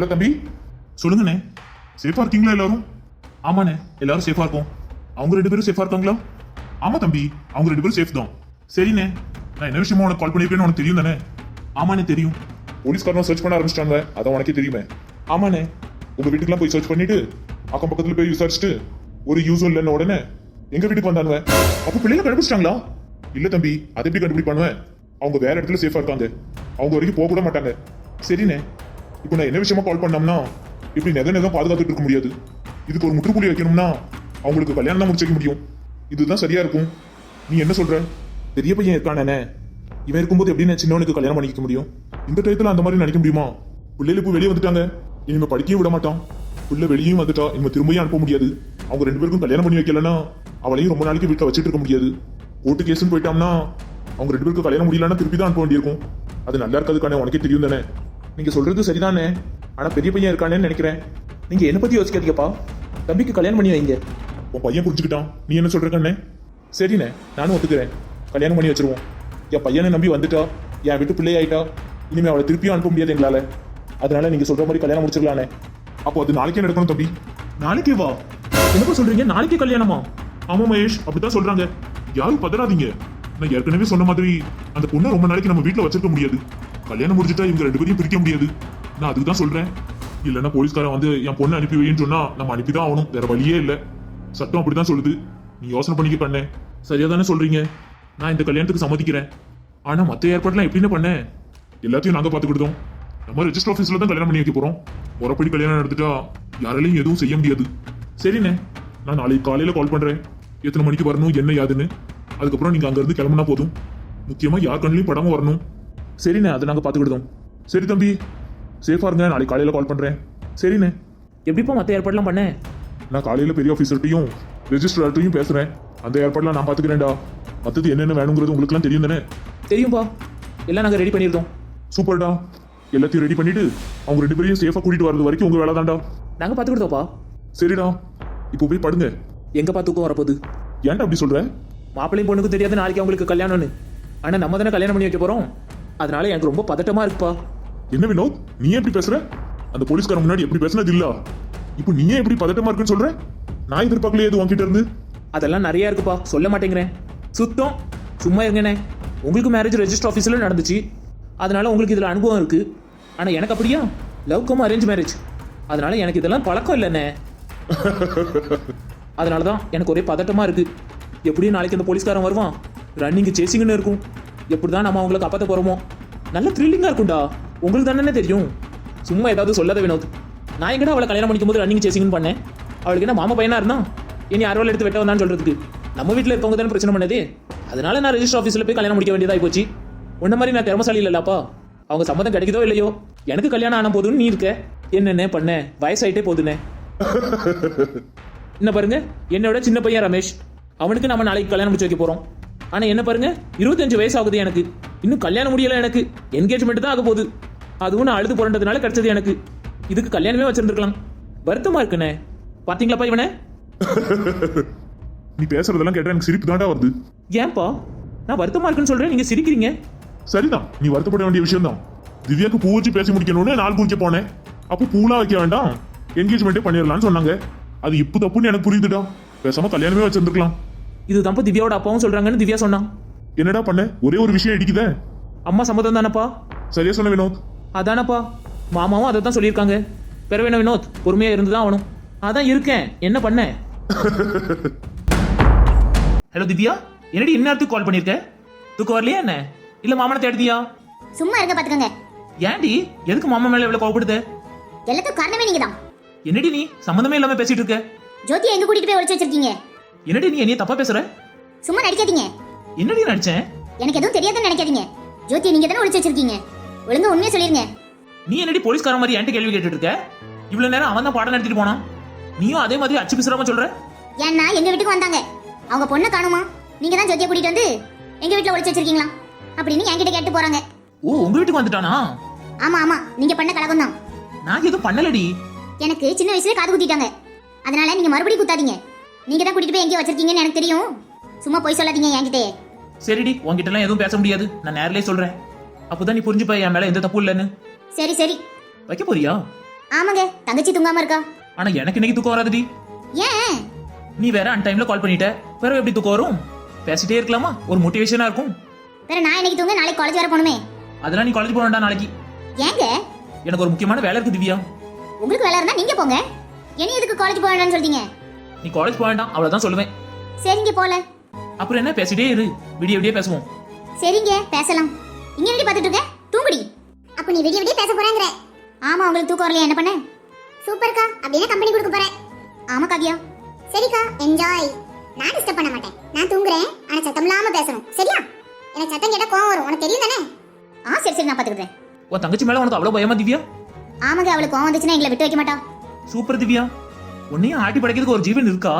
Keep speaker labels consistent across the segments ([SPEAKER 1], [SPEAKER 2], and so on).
[SPEAKER 1] Hello தம்பி, சொல்லுங்கண்ணே. சேஃபா இருக்கீங்களா எல்லாரும்? ஆமாண்ணே, எல்லாரும் சேஃபா இருக்கும். அவங்க 2 பேரும் சேஃபா இருக்காங்களா? ஆமா தம்பி, அவங்க 2 பேரும் சேஃப் தான். சரிண்ணே, நான் என்ன விஷயமா உனக்கு கால் பண்ணிருக்கேன்னு உனக்கு தெரியும் தானே? ஆமாண்ணே தெரியும். போலீஸ்காரன் சர்ச் பண்ண ஆரம்பிச்சிட்டாங்க, அதான் உனக்கே தெரியுமே. ஆமாண்ணே, உங்க வீட்டுக்குலாம் போய் சர்ச் பண்ணிட்டு அக்கம் பக்கத்துல போய் விசாரிச்சுட்டு ஒரு யூஸும் இல்லைன்னு உடனே எங்க வீட்டுக்கு வந்தானுவ. அப்ப பிள்ளைங்க கண்டுபிடிச்சிட்டாங்களா? இல்ல தம்பி, அதை எப்படி கண்டுபிடிப்பானுவேன்? அவங்க வேற இடத்துல சேஃபா இருக்காங்க, அவங்க வரைக்கும் போக கூட மாட்டாங்க. சரிண்ணே, இப்போ நான் என்ன விஷயமா கால் பண்ணோம்னா, இப்படி நெதம் பாதுகாத்துட்டு இருக்க முடியாது. இதுக்கு ஒரு முற்றுப்புள்ளி வைக்கணும்னா அவங்களுக்கு கல்யாணம் தான் முடிச்சிக்க முடியும். இதுதான் சரியா இருக்கும். நீ என்ன சொல்ற? பெரிய பையன் இருக்கானே, இவன் இருக்கும்போது எப்படி நான் சின்னவனுக்கு கல்யாணம் பண்ணிக்க முடியும்? இந்த டயத்துல அந்த மாதிரி நினைக்க முடியுமா? பிள்ளைகள் இப்போ வெளியே வந்துட்டாங்க, இனிமே படிக்கவும் விட மாட்டான். பிள்ளை வெளியும் வந்துட்டா இனிமே திரும்பியும் அனுப்ப முடியாது. அவங்க 2 பேருக்கும் கல்யாணம் பண்ணி வைக்கலன்னா அவளையும் ரொம்ப நாளைக்கு வீட்டில் வச்சுட்டு இருக்க முடியாது. கோர்ட்டு கேஸ்ன்னு போயிட்டோம்னா அவங்க 2 பேருக்கும் கல்யாணம் முடியலன்னா திருப்பி தான் அனுப்ப வேண்டியிருக்கும். அது நல்லா இருக்காதுக்கானே, உனக்கே தெரியும் தானே. நீங்க சொல்றது சரிதானே, ஆனா பெரிய பையன் இருக்கானேன்னு நினைக்கிறேன். நீங்க என்ன பத்தி யோசிக்காதீங்கப்பா, தம்பிக்கு கல்யாணம் பண்ணி வைங்க. உன் பையன் புரிஞ்சுக்கிட்டான், நீ என்ன சொல்ற கண்ணே? சரிண்ணே, நானும் ஒத்துக்கிறேன், கல்யாணம் பண்ணி வச்சிருவோம். என் பையனை நம்பி வந்துட்டா, என் வீட்டு பிள்ளை ஆயிட்டா, இனிமே அவளை திருப்பியும் அனுப்ப முடியாது எங்களால. அதனால நீங்க சொல்ற மாதிரி கல்யாணம் முடிச்சிடலானே. அப்போ அது நாளைக்கே நடக்கணும் தம்பி. நாளைக்கே வா? என்னப்பா சொல்றீங்க, நாளைக்கே கல்யாணமா? ஆமா மகேஷ், அப்படித்தான் சொல்றாங்க. யாரும் பதறாதீங்க. நான் ஏற்கனவே சொன்ன மாதிரி அந்த பொண்ணை ரொம்ப நாளைக்கு நம்ம வீட்டுல வச்சிருக்க முடியாது. கல்யாணம் முடிஞ்சிட்டா இவங்க 2 பேரையும் பிரிக்க முடியாது. நான் அதுக்கு தான் சொல்றேன். இல்லைன்னா போலீஸ்காரன் வந்து என் பொண்ணை அனுப்பி வைன்னு சொன்னா நம்ம அனுப்பிதான் ஆகணும், வேற வழியே இல்லை. சட்டம் அப்படிதான் சொல்லுது. நீ யோசனை பண்ணிக்க பண்ண. சரியா தானே சொல்றீங்க. நான் இந்த கல்யாணத்துக்கு சம்மதிக்கிறேன். ஆனா மத்த ஏற்பாடுலாம் எப்படின்னு பண்ண? எல்லாத்தையும் நாங்க பாத்துக்கிட்டோம். நம்ம ரெஜிஸ்டர் ஆஃபீஸ்ல தான் கல்யாணம் பண்ணி வைக்க போறோம். முறைப்படி கல்யாணம் நடந்துட்டா யாராலையும் எதுவும் செய்ய முடியாது. சரிண்ணே, நான் நாளைக்கு காலையில கால் பண்றேன். எத்தனை மணிக்கு வரணும், என்ன யாதுன்னு. அதுக்கப்புறம் நீங்க அங்க இருந்து கிளம்புனா போதும். முக்கியமா யார் கண்ணிலையும் படாம வரணும். சரிண்ணே, அதை நாங்க பாத்துக்கிட்டோம். சரி தம்பி, சேஃபா இருங்க. நாளைக்கு காலையில கால் பண்றேன். சரிண்ணே. எப்படிப்பா மத்த ஏற்பாடுலாம் பண்ண? நான் காலையில பெரிய ஆஃபீஸர்ட்டையும் ரெஜிஸ்ட்ரார்ட்டையும் பேசுறேன். அந்த ஏற்பாடுலாம் நான் பாத்துக்கிறேன்டா. மத்தது என்னென்ன வேணுங்கிறது உங்களுக்குலாம் தெரியும் தானே? தெரியும்பா, எல்லாம் நாங்க ரெடி பண்ணிருந்தோம். சூப்பர்டா, எல்லாத்தையும் ரெடி பண்ணிட்டு அவங்க 2 பேரையும் சேஃபா கூட்டிட்டு வரது வரைக்கும் உங்க வேலை தான்டா. நாங்க பாத்துக்கிட்டோம்ப்பா. சரிடா, இப்போ போய் படுங்க. எங்க பாத்துக்கும் வரப்போகுது. ஏன்டா அப்படி சொல்ற? மாப்பிள்ளையும் பொண்ணுக்கு தெரியாது நாளைக்கு அவங்களுக்கு கல்யாணம்னு. ஆனா நம்ம தானே கல்யாணம் பண்ணி வைக்க போறோம். அதனால எனக்கு ரொம்ப பதட்டமா இருக்குப்பா. என்ன வினோத், நீ எப்படி பேசுற? அந்த போலீஸ்காரன் முன்னாடி எப்படி பேசுனது இல்ல, இப்போ நீயே எப்படி பதட்டமா இருக்குன்னு சொல்ற? நான் எதிர்பார்க்கலையே இது உன்கிட்ட இருந்து. அதெல்லாம் நிறைய இருக்குப்பா, சொல்ல மாட்டேங்கிறேன். சுத்தம் சும்மா இருங்கண்ணே. உங்களுக்கு மேரேஜ் ரெஜிஸ்டர் ஆஃபீஸில் நடந்துச்சு, அதனால உங்களுக்கு இதில் அனுபவம் இருக்கு. ஆனால் எனக்கு அப்படியா, லவ் கம் அரேஞ்ச் மேரேஜ். அதனால எனக்கு இதெல்லாம் பழக்கம் இல்லைண்ணே. அதனால தான் எனக்கு ஒரே பதட்டமாக இருக்கு. எப்படியும் நாளைக்கு அந்த போலீஸ்காரன் வருவான், ரன்னிங் சேசிங்னு இருக்கும். எப்படி தான் நம்ம அவங்களை காப்பாற்ற போகிறோமோ. நல்ல த்ரில்லிங்காக இருக்கும்டா. உங்களுக்கு தானே தெரியும். சும்மா ஏதாவது சொல்லாத வினோத். நான் எங்கடா அவளை கல்யாணம் பண்ணிக்கும் போது ரன்னிங் சேசிங்னு பண்ணேன். அவளுக்கு என்ன மாமா பையனா இருந்தா இனி அறுவல் எடுத்து வெட்ட வந்தான்னு சொல்றதுக்கு. நம்ம வீட்டில் இருக்கவங்க தானே பிரச்சனை பண்ணதே. அதனால நான் ரெஜிஸ்டர் ஆஃபீஸில் போய் கல்யாணம் முடிக்க வேண்டியதாகி போச்சு. உன்ன மாதிரி நான் திறமசாலி இல்லைல்லப்பா. அவங்க சம்மதம் கிடைக்குதோ இல்லையோ, எனக்கு கல்யாணம் ஆன போதுன்னு நீ இருக்க. என்னென்ன பண்ண, வயசாயிட்டே போதுண்ணே. என்ன பாருங்க, என்னோட சின்ன பையன் ரமேஷ், அவனுக்கு நம்ம நாளைக்கு கல்யாணம் முடிச்சு வைக்க போறோம். ஆனா என்ன பாருங்க, 25 வயசு ஆகுது எனக்கு. இன்னும் கல்யாணம் முடியல. எனக்கு என்கேஜ்மெண்ட் தான் ஆக போகுது. அதுவும் நான் அழுது புரண்டதுனால கிடைச்சது எனக்கு. இதுக்கு கல்யாணமே வச்சிருந்துருக்கலாம். வருத்தமா இருக்குண்ணே. பாத்தீங்களாப்பா இவனை? நீ பேசுறதெல்லாம் கேட்டா எனக்கு சிரிப்பு தாண்டா வருது.
[SPEAKER 2] ஏன்பா நான் வருத்தமா இருக்குன்னு சொல்றேன், நீங்க சிரிக்கிறீங்க?
[SPEAKER 1] சரிதான், நீ வருத்தப்பட வேண்டிய விஷயம் தான். திவ்யாக்கு பூ வச்சு பேசி முடிக்கணும்னு நாள் குறிக்க போனேன். அப்போ பூலாம் வைக்க வேண்டாம், என்கேஜ்மெண்ட்டே பண்ணிடலாம்னு சொன்னாங்க. அது இப்போ தப்புன்னு எனக்கு புரியுதுடா. பேசாம கல்யாணமே வச்சிருந்துருக்கலாம்.
[SPEAKER 2] இதுதான்ப்பா திவ்யாவோட அப்பாவும் சொல்றாங்கன்னு திவ்யா சொன்னான்.
[SPEAKER 1] என்னடா பண்ண, ஒரே ஒரு விஷயம் இடிக்குதே.
[SPEAKER 2] அம்மா சம்மதம் தானப்பா?
[SPEAKER 1] சரியா சொன்ன வினோத்.
[SPEAKER 2] அதானப்பா, மாமாவும் அதை தான் சொல்லியிருக்காங்க. பெற வேணும் வினோத், பொறுமையா இருந்துதான் ஆகணும். அதான் இருக்கேன், என்ன பண்ண? ஹலோ திவ்யா, என்னடி இந்நேரத்துக்கு கால் பண்ணிருக்க? தூக்கம் வரலையா என்ன? இல்ல மாமனை தேடுதியா?
[SPEAKER 3] சும்மா இருங்க பாத்துக்கங்க.
[SPEAKER 2] ஏன்டி, எதுக்கு மாமா மேல இவ்வளவு கோவப்படுத?
[SPEAKER 3] எல்லாத்துக்கும் காரணமே நீங்க தான்.
[SPEAKER 2] என்னடி நீ சம்மந்தமே இல்லாம பேசிட்டு இருக்க?
[SPEAKER 3] ஜோதியை எங்க கூட்டிட்டு போய் ஒளிச்சு வச்சிருக்கீங்க?
[SPEAKER 2] என்னடி நீ என்னைய தப்பா பேசுற?
[SPEAKER 3] சும்மா நடிக்காதீங்க.
[SPEAKER 2] என்னடி நடிச்சேன்?
[SPEAKER 3] எனக்கு எதுவும் தெரியாதுன்னு நினைக்காதீங்க. ஜோதியை நீங்க தானே ஒளிச்சு வச்சிருக்கீங்க. ஒழுங்கா உண்மையை சொல்லிருங்க.
[SPEAKER 2] நீ என்னடி போலீஸ்கார மாதிரி என்கிட்ட கேள்வி கேட்டுட்டு இருக்க? இவ்வளவு நேரம் அவன் தான் பாடம் நடத்திட்டு போனான். நீயும் அதே மாதிரி அச்சு பிசுறாம சொல்ற?
[SPEAKER 3] ஏன்னா எங்க வீட்டுக்கு வந்தாங்க, அவங்க பொண்ணை காணுமா, நீங்க தான் ஜோதியை கூட்டிட்டு வந்து எங்க வீட்டுல ஒளிச்சு வச்சிருக்கீங்களா அப்படின்னு என்கிட்ட கேட்டு போறாங்க.
[SPEAKER 2] ஓ, உங்க வீட்டுக்கு வந்துட்டானா?
[SPEAKER 3] ஆமா ஆமா, நீங்க பண்ண கலகம் தான்.
[SPEAKER 2] நான் எதுவும் பண்ணலடி.
[SPEAKER 3] எனக்கு சின்ன வயசுல காது குத்திட்டாங்க. அதனால நீங்க மறுபடியும் குத்தாதீங்க. நீங்க தான் கூட்டிட்டு போய் எங்கேயோ வச்சிருக்கீங்கன்னு எனக்கு தெரியும். சும்மா போய் சொல்லாதீங்க என்கிட்டே.
[SPEAKER 2] சரிடி, உன்கிட்ட எல்லாம் எதுவும் பேச முடியாது. நான் நேர்லயே சொல்றேன். அப்போதான் நீ புரிஞ்சுப்ப என் மேல எந்த தப்பு இல்லைன்னு.
[SPEAKER 3] சரி சரி.
[SPEAKER 2] வைக்க போறியா?
[SPEAKER 3] ஆமாங்க தங்கச்சி தூங்காம இருக்கா.
[SPEAKER 2] ஆனா எனக்கு இன்னைக்கு தூக்கம் வராதுடி.
[SPEAKER 3] ஏன்?
[SPEAKER 2] நீ வேற அன் டைம்ல கால் பண்ணிட்ட, வேற எப்படி தூக்கம் வரும்? பேசிட்டே இருக்கலாமா, ஒரு மோட்டிவேஷனா இருக்கும்.
[SPEAKER 3] வேற நான் இன்னைக்கு தூங்க, நாளைக்கு காலேஜ் வர போகணுமே.
[SPEAKER 2] அதெல்லாம் நீ காலேஜ் போக வேண்டாம் நாளைக்கு.
[SPEAKER 3] ஏங்க?
[SPEAKER 2] எனக்கு ஒரு முக்கியமான வேலை இருக்கு திவ்யா.
[SPEAKER 3] உங்களுக்கு வேலை இருந்தா நீங்க போங்க, இனி எதுக்கு காலேஜ் போக வேண்டாம்னு சொல்றீங்க?
[SPEAKER 2] நீ காலேஜ் போக வேண்டாம் அவ்வளவுதான் சொல்லுவேன்.
[SPEAKER 3] சரிங்க போல.
[SPEAKER 2] அப்புறம் என்ன, பேசிட்டே இரு, விடிய விடிய பேசுவோம்.
[SPEAKER 3] சரிங்க பேசலாம். இங்க எப்படி பார்த்துட்டு இருக்க? தூங்குடி. அப்ப நீ விடிய விடிய பேச போறேங்கற? ஆமா, உங்களுக்கு தூக்கம் வரலையா? என்ன பண்ண? சூப்பர்க்கா, அப்படியே கம்பெனி கொடுக்க போறேன். ஆமா காவியா. சரிக்கா, என்ஜாய். நான் டிஸ்டர்ப் பண்ண மாட்டேன், நான் தூங்குறேன். ஆனா சத்தம் இல்லாம பேசணும், சரியா? எனக்கு சத்தம் கேட்டா கோவம் வரும், உனக்கு தெரியும் தானே? சரி நான் பாத்துக்கிறேன்.
[SPEAKER 2] உன் தங்கச்சி மேல உனக்கு அவ்வளவு பயமா திவ்யா?
[SPEAKER 3] ஆமாங்க, அவளுக்கு கோவம் வந்துச்சுன்னா எங்களை விட்டு வைக்க மாட்டா.
[SPEAKER 2] சூப்பர் திவ்யா, உன்னையும் ஆட்டி படைக்கிறதுக்கு ஒரு ஜீவன் இருக்கா?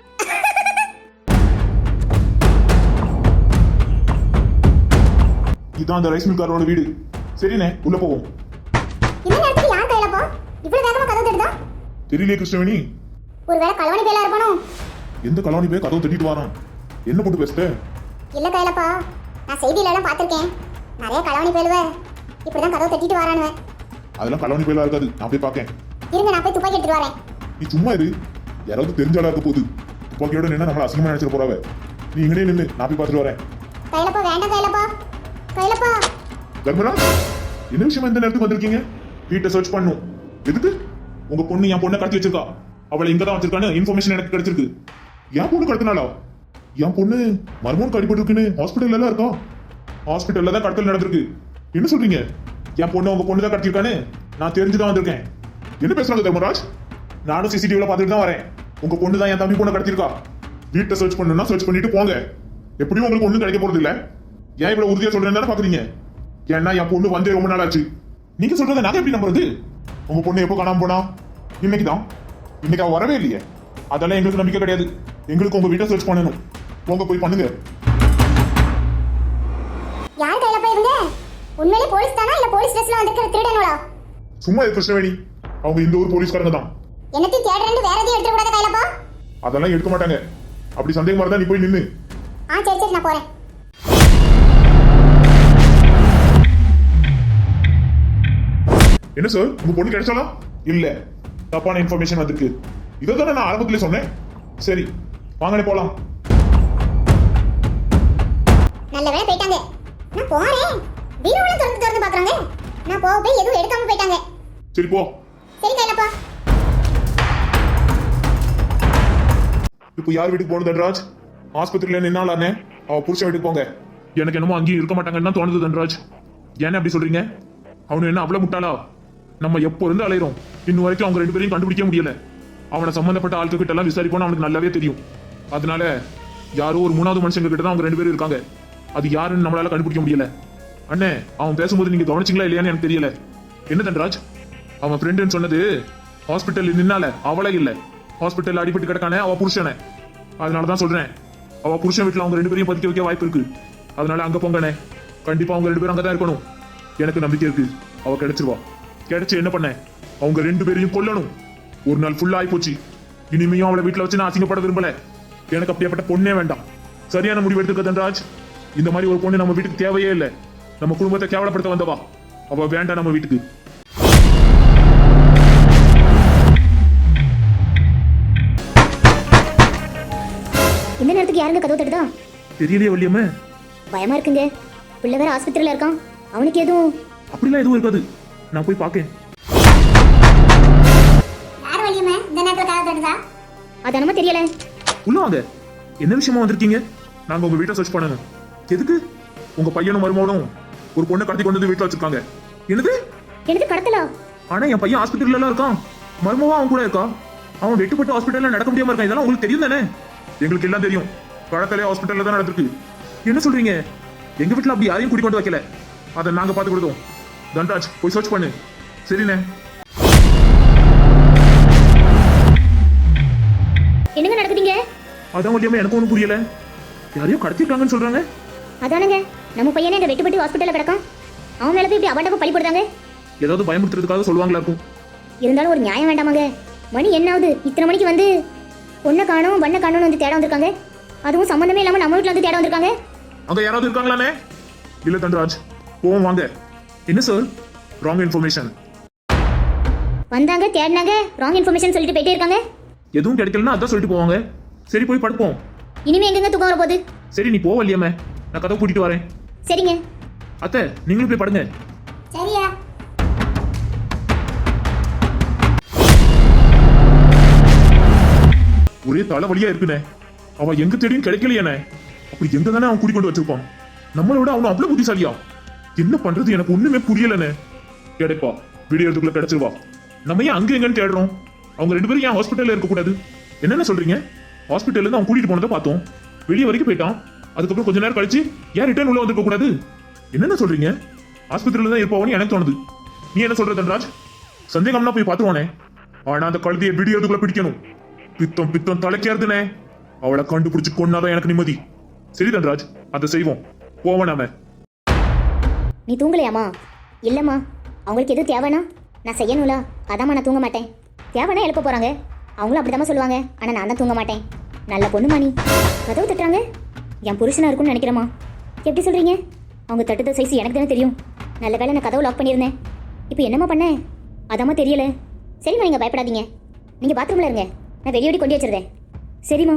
[SPEAKER 1] இதான் அந்த ரைஸ் மில்காரோட வீடு. சரிண்ணே, உள்ள போவோம்.
[SPEAKER 3] இந்த நேரத்துக்கு யார் கையிலப்பா இவ்வளவு வேகமா கதவு தட்டுதா?
[SPEAKER 1] தெரியலையே கிருஷ்ணவேணி.
[SPEAKER 3] ஒருவேளை கலவணி பேலா இருப்பானோ?
[SPEAKER 1] எந்த கலவாணி போய் கதவு தட்டிட்டு வரான்? என்ன போட்டு பேசுற?
[SPEAKER 3] இல்ல கையிலப்பா, நான் செய்தியில எல்லாம் பாத்திருக்கேன். நிறைய கலவணி பேலுவ இப்படிதான் கதவு தட்டிட்டு வரானுவ.
[SPEAKER 1] அதெல்லாம் கலவாணி போயெல்லாம் இருக்காது, நான் போய் பார்க்கேன்.
[SPEAKER 3] இருங்க, நான் போய் துப்பாக்கி எடுத்துட்டு வரேன்.
[SPEAKER 1] நீ சும்மா இரு, யாராவது தெரிஞ்சாலா இருக்க போகுது. துப்பாக்கியோட நின்னா நம்மள அசிங்கமா நினைச்சிட்டு போறாவ. நீ இங்கனே நின்னு, நான் போய் பார்த்துட்டு வரேன்.
[SPEAKER 3] கையிலப்பா வேண்டாம் கையிலப்பா. கையிலப்பா.
[SPEAKER 1] தர்மராஜ், என்ன விஷயமா இந்த நேரத்துக்கு வந்திருக்கீங்க? வீட்டை சர்ச் பண்ணும். எதுக்கு? உங்க பொண்ணு என் பொண்ணை கடத்தி வச்சிருக்கா. அவளை இங்க தான் வச்சிருக்கான்னு இன்ஃபர்மேஷன் எனக்கு கிடைச்சிருக்கு. என் பொண்ணு கடத்தினாலா? என் பொண்ணு மர்மோனுக்கு அடிபட்டு இருக்குன்னு ஹாஸ்பிட்டல்ல எல்லாம் இருக்கா. ஹாஸ்பிட்டல்ல தான் கடத்தல் நடந்திருக்கு. என்ன சொல்றீங்க? என் பொண்ணு உங்க பொண்ணு தான் கடத்திருக்கான்னு நான் தெரிஞ்சுதான் வந்திருக்கேன். என்ன பேசுறாங்க தர்மராஜ்? நானும் சிசிடிவில பார்த்துட்டு தான் வரேன். உங்க பொண்ணு தான் என் தம்பி பொண்ணை கடத்திருக்கா. வீட்டை சர்ச் பண்ணணும்னா சர்ச் பண்ணிட்டு போங்க. எப்படியும் உங்களுக்கு ஒண்ணும் கிடைக்க போறது இல்ல. ஏன் இவ்வளவு உறுதியா சொல்றேன்னு பாக்குறீங்க? ஏன்னா என் பொண்ணு வந்தே ரொம்ப நாள் ஆச்சு. நீங்க சொல்றதை நாங்க எப்படி நம்புறது? உங்க பொண்ணு எப்போ காணாம போனா? இன்னைக்குதான். இன்னைக்கு அவ வரவே இல்லையே. அதெல்லாம் எங்களுக்கு நம்பிக்கை கிடையாது. எங்களுக்கு உங்க வீட்டை சர்ச் பண்ணணும். போங்க, போய் பண்ணுங்க.
[SPEAKER 3] யார் கையிலப்பா இவங்க? உண்மையிலே போலீஸ் தானா இல்ல போலீஸ் ட்ரெஸ்ல வந்திருக்கிற திருடனோடா?
[SPEAKER 1] சும்மா இரு கிருஷ்ணவேணி, அவங்க இந்த ஊர் போலீஸ்காரங்க தான்.
[SPEAKER 3] என்னத்தையும் தேடுறேன்னு வேற எதையும் எடுத்துட கூடாது கையிலப்பா.
[SPEAKER 1] அதெல்லாம் எடுக்க மாட்டாங்க. அப்படி சந்தேகமா இருந்தா நீ போய் நின்னு.
[SPEAKER 3] சரி சரி, நான் போறேன்.
[SPEAKER 1] என்ன சார், உங்க பொண்ணு கிடைச்சாலா? இல்ல, தப்பான இன்ஃபர்மேஷன் வந்திருக்கு. இதை தானே நான் ஆரம்பத்திலே சொன்னேன். சரி வாங்கனே போலாம்.
[SPEAKER 3] நல்ல வேளை போயிட்டாங்க. நான் போறேன். வீரோல திறந்து திறந்து பாக்குறாங்க. நான் போய் எதுவும் எடுக்காம போயிட்டாங்க.
[SPEAKER 1] சரி போ.
[SPEAKER 3] சரி கையிலப்பா.
[SPEAKER 1] இப்போ யார் வீட்டுக்கு போகணும் தன்ராஜ்? ஆஸ்பத்திரியில நின்னாலானே அவ புருஷன் வீட்டுக்கு போங்க. எனக்கு என்னமோ அங்கேயும் இருக்க மாட்டாங்கன்னு தான் தோணுது தன்ராஜ். ஏன்னா அப்படி சொல்றீங்க? அவனு என்ன அவ்வளவு முட்டாளா? நம்ம எப்போ இருந்து அலையிறோம், இன்னும் வரைக்கும் அவங்க 2 பேரையும் கண்டுபிடிக்க முடியல. அவனை சம்பந்தப்பட்ட ஆட்கள் கிட்ட எல்லாம் விசாரிப்போம்னு அவனுக்கு நல்லாவே தெரியும். அதனால யாரோ ஒரு 3வது மனுஷங்க கிட்ட தான் அவங்க 2 பேரும் இருக்காங்க. அது யாருன்னு நம்மளால கண்டுபிடிக்க முடியல. அண்ணே, அவன் பேசும்போது நீங்க கவனிச்சிங்களா இல்லையான்னு எனக்கு தெரியல. என்ன தன்ராஜ், அவன் ஃப்ரெண்டுன்னு சொன்னது ஹாஸ்பிட்டல் நின்னால அவளே இல்ல, ஹாஸ்பிட்டல் அடிபட்டு கிடக்கானே அவ புருஷனே. அதனாலதான் சொல்றேன், அவ புருஷன் வீட்டுல அவங்க 2 பேரையும் பதுக்கி வைக்க வாய்ப்பு இருக்கு. அதனால அங்க போங்கண்ணே. கண்டிப்பா அவங்க 2 பேரும் அங்கதான் இருக்கணும். எனக்கு நம்பிக்கை இருக்கு, அவ கிடைச்சிருவா. கிடைச்சு என்ன பண்ண, அவங்க 2 பேரையும் கொல்லணும். ஒரு நாள் ஃபுல்லா ஆகி போச்சு. இனிமையும் அவளை வீட்டுல வச்சு நான் அசிங்கப்பட விரும்பல. எனக்கு அப்படியேப்பட்ட பொண்ணே வேண்டாம். சரியான முடிவு எடுத்துக்க தன்ராஜ். இந்த மாதிரி ஒரு பொண்ணு நம்ம வீட்டுக்கு தேவையே இல்லை. நம்ம குடும்பத்தை கேவலப்படுத்த வந்தவா அவ, வேண்டாம் நம்ம வீட்டுக்கு.
[SPEAKER 3] இந்த நேரத்துக்கு யாருங்க கதவு தட்டுதா?
[SPEAKER 2] தெரியலையே வள்ளியம்மா.
[SPEAKER 3] பயமா இருக்குங்க. பிள்ளை வேற ஆஸ்பத்திரியில இருக்கான். அவனுக்கு எதுவும்?
[SPEAKER 2] அப்படிலாம் எதுவும் இருக்காது, நான் போய் பார்க்கேன்.
[SPEAKER 3] யார் வள்ளியம்மா இந்த நேரத்துல கதவு தட்டுதா? அதானமா தெரியல.
[SPEAKER 2] உள்ள வாங்க. என்ன விஷயமா வந்திருக்கீங்க?
[SPEAKER 1] நாங்க உங்க வீட்டை சர்ச் பண்ணணும்.
[SPEAKER 2] எதுக்கு?
[SPEAKER 1] உங்க பையனும் மருமகனும் ஒரு பொண்ணை கடத்தி கொண்டு வந்து வீட்டுல வச்சிருக்காங்க.
[SPEAKER 2] என்னது?
[SPEAKER 3] எனக்கு கடத்தலா?
[SPEAKER 2] ஆனா என் பையன் ஆஸ்பத்திரியில எல்லாம் இருக்கான், மர்மமா அவன் கூட இருக்கா. அவன் வெட்டுப்பட்டு ஹாஸ்பிட்டல்ல நடக்க முடியாம இருக்கான். இதெல்லாம் உங்களுக்கு தெரியும் தானே?
[SPEAKER 1] எங்களுக்கு எல்லாம் தெரியும். கடத்தலே ஹாஸ்பிட்டல்ல தான் நடந்திருக்கு.
[SPEAKER 2] என்ன சொல்றீங்க? எங்க வீட்டுல அப்படி யாரையும் கூட்டிக் கொண்டு வைக்கல.
[SPEAKER 1] அதை நாங்க பார்த்து கொடுத்தோம். தன்ராஜ், போய் சர்ச் பண்ணு. சரிண்ணே.
[SPEAKER 3] என்னங்க நடக்குதுங்க?
[SPEAKER 2] அதான் வள்ளியம்மா, எனக்கு ஒன்றும் புரியல. யாரையும் கடத்திருக்காங்கன்னு சொல்றாங்க.
[SPEAKER 3] அதானுங்க, நம்ம பையனே இந்த வெட்டுப்பட்டு ஹாஸ்பிட்டல்ல கிடக்கான். அவன் மேல போய் இப்படி அபாண்டமா பழி போடுறாங்க.
[SPEAKER 2] ஏதாவது பயமுறுத்துறதுக்காக சொல்லுவாங்களா இருக்கும்.
[SPEAKER 3] இருந்தாலும் ஒரு நியாயம் வேண்டாமாங்க? மணி என்ன ஆகுது? இத்தனை மணிக்கு வந்து பொண்ணை காணோம் பண்ண காணோம்னு வந்து தேட வந்திருக்காங்க. அதுவும் சம்பந்தமே இல்லாம நம்ம வீட்டுல வந்து தேட வந்திருக்காங்க.
[SPEAKER 1] அங்க யாராவது இருக்காங்களானே? இல்ல தன்ராஜ், போவோம் வாங்க.
[SPEAKER 2] என்ன சார்?
[SPEAKER 1] Wrong information.
[SPEAKER 3] வந்தாங்க தேடினாங்க ராங் இன்ஃபர்மேஷன் சொல்லிட்டு போயிட்டே இருக்காங்க.
[SPEAKER 2] எதுவும் கிடைக்கலன்னா அதான் சொல்லிட்டு போவாங்க. சரி போய் படுப்போம்.
[SPEAKER 3] இனிமே எங்கெங்க தூக்கம் வர போகுது?
[SPEAKER 2] சரி நீ போவல்லையாமே, நான் கதவை கூட்டிட்டு வரேன்.
[SPEAKER 3] சரிங்க.
[SPEAKER 2] அத்தை நீங்களும் போய் படுங்க.
[SPEAKER 3] சரியா.
[SPEAKER 1] ஒரே தலைவலியா இருக்குனே. அவன் எங்க தேடியும் கிடைக்கலையானே. அப்படி எங்க தானே அவன் கூட்டிக் கொண்டு வச்சிருப்பான்? நம்மளை விட அவன் அவ்வளவு புத்திசாலியா? என்ன பண்றது எனக்கு ஒண்ணுமே புரியலனே. கிடைப்பா, வீடியோ எடுத்துக்குள்ள கிடைச்சிருவா. நம்ம ஏன் அங்க எங்கன்னு தேடுறோம்? அவங்க ரெண்டு பேரும் ஏன் ஹாஸ்பிட்டல்ல இருக்க கூடாது? என்னென்ன சொல்றீங்க? ஹாஸ்பிட்டல்ல இருந்து அவன் கூட்டிட்டு போனதை பார்த்தோம், வெளியே வரைக்கும் போயிட்டான். அதுக்கப்புறம் கொஞ்ச நேரம் கழிச்சு ஏன் ரிட்டர்ன் உள்ள வந்திருக்க கூடாது? என்னென்ன சொல்றீங்க? ஆஸ்பத்திரியில தான் இருப்பாவன்னு எனக்கு தோணுது. நீ என்ன சொல்ற தன்ராஜ்? சந்தேகம்னா போய் பார்த்துவானே. ஆனா அந்த கழுதியை வீடியோ எடுத்துக்குள்ள பிடிக்கணும். பித்தம் பித்தம் தலைக்கேறுதுனே. அவளை கண்டுபிடிச்சு கொண்டாதான் எனக்கு நிம்மதி. சரி தன்ராஜ், அதை செய்வோம். போவ நாம.
[SPEAKER 3] நீ தூங்கலையாமா? இல்லம்மா, அவங்களுக்கு எது தேவைன்னா நான் செய்யணும்ல, அதாம்மா நான் தூங்க மாட்டேன். தேவைன்னா எழுப்ப போறாங்க, அவங்களும் அப்படிதாம்மா சொல்லுவாங்க. ஆனா நான் தான் தூங்க மாட்டேன். நல்ல பொண்ணுமா நீ. கதவு தட்டுறாங்க, என் புருஷனா இருக்கும்னு நினைக்கிறேம்மா. எப்படி சொல்றீங்க? அவங்க தட்டுத சைஸ் எனக்கு தானே தெரியும். நல்ல வேளை நான் கதவு லாக் பண்ணியிருந்தேன். இப்போ என்னம்மா பண்ணேன்? அதாம்மா தெரியல. சரிம்மா, நீங்க பயப்படாதீங்க. நீங்க பாத்ரூம்ல இருங்க, நான் வெளியோடி கொண்டு வச்சிருந்தேன். சரிம்மா.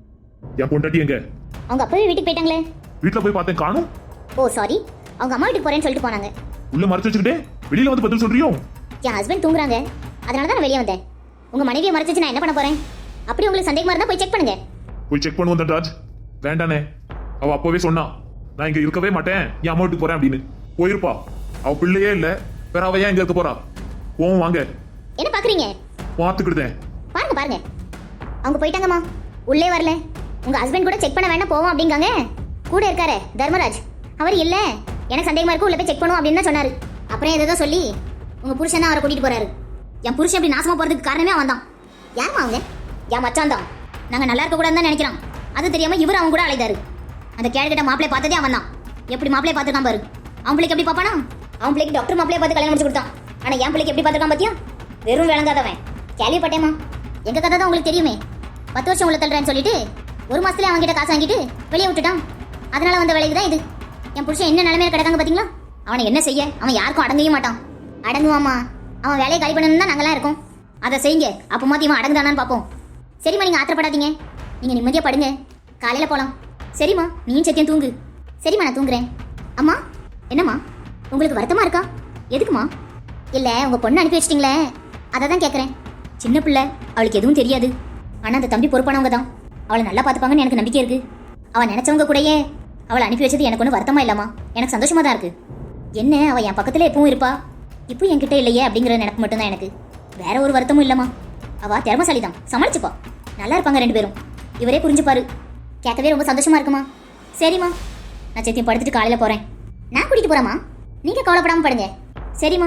[SPEAKER 1] என் பொண்டாட்டி எங்க?
[SPEAKER 3] அவங்க அப்பவே வீட்டுக்கு போயிட்டாங்களே.
[SPEAKER 1] வீட்டுல போய் பார்த்தேன், காணும்.
[SPEAKER 3] ஓ சாரி, அவங்க அம்மா வீட்டுக்கு போறேன்னு சொல்லிட்டு போனாங்க.
[SPEAKER 1] உள்ள மறைச்சு வச்சுக்கிட்டே வெளியில வந்து பதில் சொல்றியோ?
[SPEAKER 3] என் ஹஸ்பண்ட் தூங்குறாங்க, அதனால தான் நான் வெளியே வந்தேன். உங்க மனைவியை மறைச்சு நான் என்ன பண்ண போறேன்? அப்படி உங்களுக்கு சந்தேகமா இருந்தா போய் செக் பண்ணுங்க.
[SPEAKER 1] போய் செக் பண்ணுவோம் தன்ராஜ். வேண்டானே, அவ அப்பவே சொன்னா நான் இங்க இருக்கவே மாட்டேன், என் அம்மா வீட்டுக்கு போறேன் அப்படின்னு. போயிருப்பா. அவ பிள்ளையே இல்ல, வேற அவ ஏன் இங்க இருக்க போறா? போவோம் வாங்க.
[SPEAKER 3] என்ன பாக்குறீங்க?
[SPEAKER 1] பார்த்துக்கிட்டேன்.
[SPEAKER 3] பாருங்க பாருங்க, அவங்க போயிட்டாங்கம்மா. உள்ளே வரல. உங்க ஹஸ்பண்ட் கூட செக் பண்ண வேண்டாம் போவோம் அப்படிங்காங்க. கூட இருக்காரு தர்மராஜ், அவர் இல்ல எனக்கு சந்தேகமா இருக்கு, உள்ள போய் செக் பண்ணுவோம் அப்படின்னு தான் சொன்னாரு. அப்புறம் ஏதோ சொல்லி உங்க புருஷன் தான் அவரை கூட்டிட்டு போறாரு. என் புருஷன் அப்படி நாசமா போறதுக்கு காரணமே அவன் தான். யாருமா அவங்க? என் மச்சான் தான். நாங்க நல்லா இருக்க கூடாதுன்னு தான் நினைக்கிறோம். அது தெரியாம இவர் அவங்க கூட அழைத்தாரு. அந்த கேள்விக்கிட்ட மாப்பிளைய பார்த்ததே அவன் தான். எப்படி மாப்பிளைய பார்த்துருக்கான் பாரு. அவன் பிள்ளைக்கு எப்படி பாப்பானா? அவன் பிள்ளைக்கு டாக்டர் மாப்பிளைய பார்த்து கல்யாணம் முடிச்சு கொடுத்தான். ஆனா என் பிள்ளைக்கு எப்படி பார்த்துருக்கான் பாத்தியா? வெறும் விளங்காதவன். கேள்விப்பட்டேமா, எங்க கதை தான் உங்களுக்கு தெரியுமே. 10 வருஷம் உள்ள தள்ளுறேன்னு சொல்லிட்டு 1 மாசத்துல அவங்க கிட்ட காசு வாங்கிட்டு வெளியே விட்டுட்டான். அதனால வந்த விளைவு தான் இது. என் புருஷன் என்ன நிலைமையில கிடக்காங்க பாத்தீங்களா? அவனை என்ன செய்ய? அவன் யாருக்கும் அடங்கவே மாட்டான். அடங்குவாமா? அவன் வேலையை காலி பண்ணணும் தான் நாங்களாம் இருக்கோம். அதை செய்யுங்க, அப்போ மாத்தி இவன் அடங்குதானான்னு பார்ப்போம். சரிம்மா, நீங்க ஆத்திரப்படாதீங்க, நீங்க நிம்மதியா படுங்க, காலையில போலாம். சரிம்மா, நீயும் சத்தியம் தூங்கு. சரிம்மா, நான் தூங்குறேன். அம்மா, என்னம்மா உங்களுக்கு வருத்தமா இருக்கா? எதுக்குமா? இல்ல, உங்க பொண்ணு அனுப்பி வச்சிட்டீங்களே, அதை தான் கேட்குறேன். சின்ன பிள்ளை, அவளுக்கு எதுவும் தெரியாது. ஆனா அந்த தம்பி பொறுப்பானவங்க தான், அவளை நல்லா பார்த்துப்பாங்கன்னு எனக்கு நம்பிக்கை இருக்கு. அவள் நினைச்சவங்க கூடயே அவளை அனுப்பி வச்சது எனக்கு ஒன்றும் வருத்தமா இல்லாமா, எனக்கு சந்தோஷமா தான் இருக்கு. என்ன, அவள் என் பக்கத்துல எப்பவும் இருப்பா, இப்போ என்கிட்ட இல்லையே அப்படிங்கிற நினைப்பு மட்டும்தான் எனக்கு. வேற ஒரு வருத்தமும் இல்லம்மா. அவ திறமசாலி தான், சமாளிச்சுப்பா. நல்லா இருப்பாங்க 2 பேரும். இவரே புரிஞ்சுப்பாரு. கேட்கவே ரொம்ப சந்தோஷமா இருக்குமா. சரிம்மா, நான் சத்தியம் படுத்துட்டு காலையில போறேன். நான் கூட்டிட்டு போறேம்மா, நீங்க கவலைப்படாம படுங்க. சரிம்மா.